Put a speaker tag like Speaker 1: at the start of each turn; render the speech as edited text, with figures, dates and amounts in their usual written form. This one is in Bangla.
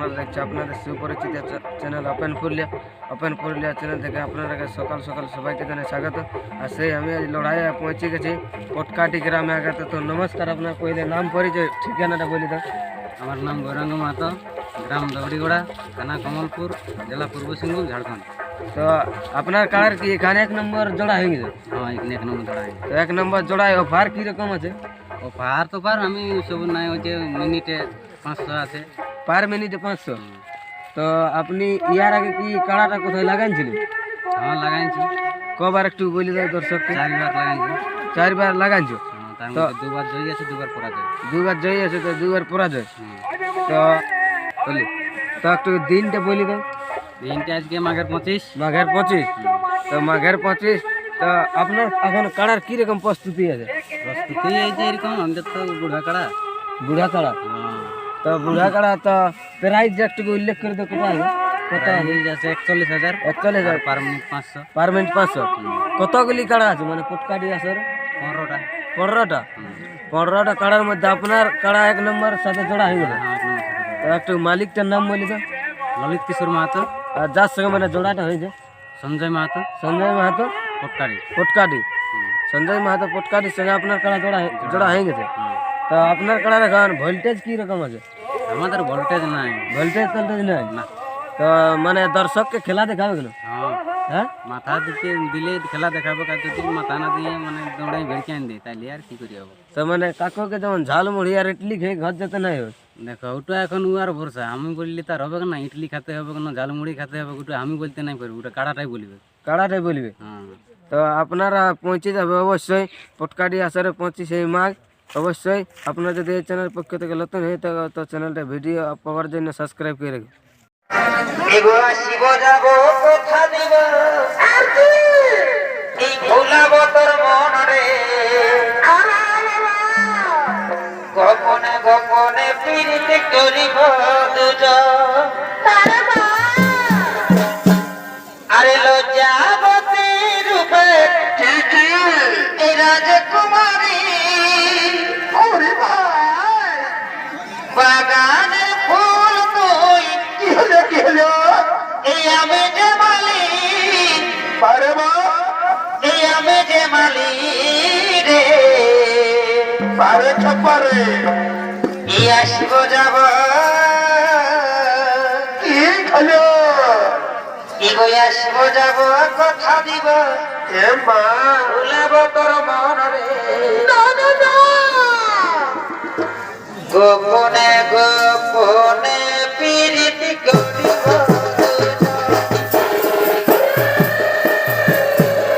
Speaker 1: আপনারা দেখছে আপনাদের সুপরিচিত চ্যানেল ওপেন পুরুলিয়া চ্যানেল থেকে আপনারা সকাল সকাল সবাইকে জানাই স্বাগত। আর সেই আমি আজ লড়াইয়ে পৌঁছে গেছি পটকাটি গ্রামে আগে। তো নমস্কার, আপনার পহলে নাম পরিচয় ঠিকানাটা বলি দাও।
Speaker 2: আমার নাম গৌরাঙ্গ মাহাতো, গ্রাম দৌড়িগোড়া, থানা কমলপুর, জেলা পূর্ব সিংভূম, ঝাড়খণ্ড।
Speaker 1: তো আপনার কার কি এখানে 1 নম্বর জোড়া হয়ে গেছে?
Speaker 2: হ্যাঁ, এখানে 1 নম্বর জোড়া।
Speaker 1: তো 1 নম্বর জোড়ায় অফার কীরকম আছে?
Speaker 2: ও পাহাড় তো পার আমি সব নাই হচ্ছে মিনিটে 500 আছে।
Speaker 1: পার মিনিটে 500। তো আপনি ইয়ার আগে কি কাড়াটা কোথায় লাগাইছিলেন?
Speaker 2: হ্যাঁ, লাগাইছি।
Speaker 1: কবার একটু বলে দাও দর্শককে।
Speaker 2: 4বার লাগাইছি।
Speaker 1: 4বার লাগাইছো?
Speaker 2: তার মধ্যে 2বার জয়ী আছে, 2বার পরাজয়।
Speaker 1: 2বার জয়ী আছে তো 2বার পরাজয়। তো বলি তো একটু দিনটা বলে দাও।
Speaker 2: দিনটা আজকে মাঘের 25।
Speaker 1: মাঘের 25। তো মাঘের 25। তো আপনার এখন কাড়ার কীরকম প্রস্তুতি আছে?
Speaker 2: প্রস্তুতি এই যে এরকম, আমাদের তো বুড়া কাড়া।
Speaker 1: বুড়া কাড়া? তো বুড়া কাড়া তো প্রাইস একটু উল্লেখ করে দাও। কোথায় কত
Speaker 2: আছে? 41,000।
Speaker 1: 41,000
Speaker 2: পার মিনিট 500।
Speaker 1: Per minute 500। কতগুলি কাড়া আছে মানে পটকাটি আছে?
Speaker 2: 15টা।
Speaker 1: 15টা। 15টা কাড়ার মধ্যে আপনার কাড়া 1 নম্বর সাথে জোড়া হয়ে গেল।
Speaker 2: হ্যাঁ, 1 নম্বর।
Speaker 1: তো একটু মালিকটার নাম বলি তো।
Speaker 2: ললিত কিশোর মাহাতো।
Speaker 1: আর যার সঙ্গে মানে জোড়াটা হয়েছে?
Speaker 2: সঞ্জয় মাহাতো,
Speaker 1: সঞ্জয় মাহাতো
Speaker 2: পটকারি।
Speaker 1: পটকাটি। সঞ্জয় মাহাতো পটকাটির সঙ্গে আপনার কাড়া জোড়া হয়ে গেছে। তো আপনার কাড়ার এখন ভোল্টেজ কী রকম আছে?
Speaker 2: আমাদের ভোল্টেজ নাই।
Speaker 1: ভোল্টেজ টোল্টেজ নাই
Speaker 2: না।
Speaker 1: তো মানে দর্শককে খেলা দেখাবে কেন? হ্যাঁ,
Speaker 2: মাথা দিতে দিলে খেলা দেখাবো, কাজ যদি মাথা না দিয়ে মানে দৌড়াই বেড়কে আন দিই তাইলে আর কি করি হবো।
Speaker 1: তো মানে কাকুকে যেমন ঝাল মুড়ি আর ইডলি খেয়ে ঘর যেতে নাই হবে।
Speaker 2: দেখো ওটা এখন ও আর ভরসা, আমি বললে তার হবে না। ইডলি খেতে হবে না, ঝালমুড়ি খেতে হবে, ওটা আমি বলতে নাই পারবো, ওটা কাড়াটাই বলবে।
Speaker 1: কাড়াটাই বলবে।
Speaker 2: হ্যাঁ।
Speaker 1: তো আপনারা পৌঁছে যাবে অবশ্যই পটকাটি আসরে 25 মাঘ। অবশ্যই আপনারা যদি এই চ্যানেল পক্ষ থেকে নতুন হয়ে থাকে তো চ্যানেলটা ভিডিও পাওয়ার জন্য সাবস্ক্রাইব করে রাখবেন।
Speaker 3: শিব যাব কথা দিব এই ভোলাব তোর মনরে, গোপনে গোপনে পীড়িত করিব দুজন। আরে লজ্জাবতী রূপে এই রাজকুমারী, বাগানের ফুল তুই কি হলো এই আমি যে মালিক, এই আমি যে মালিক রে পারে ছপারে এই আসিব যাব কি হলো এগো আসিব যাব কথা দিব এ মা ভুলাব তোর মনরে, গোপনে গোপনে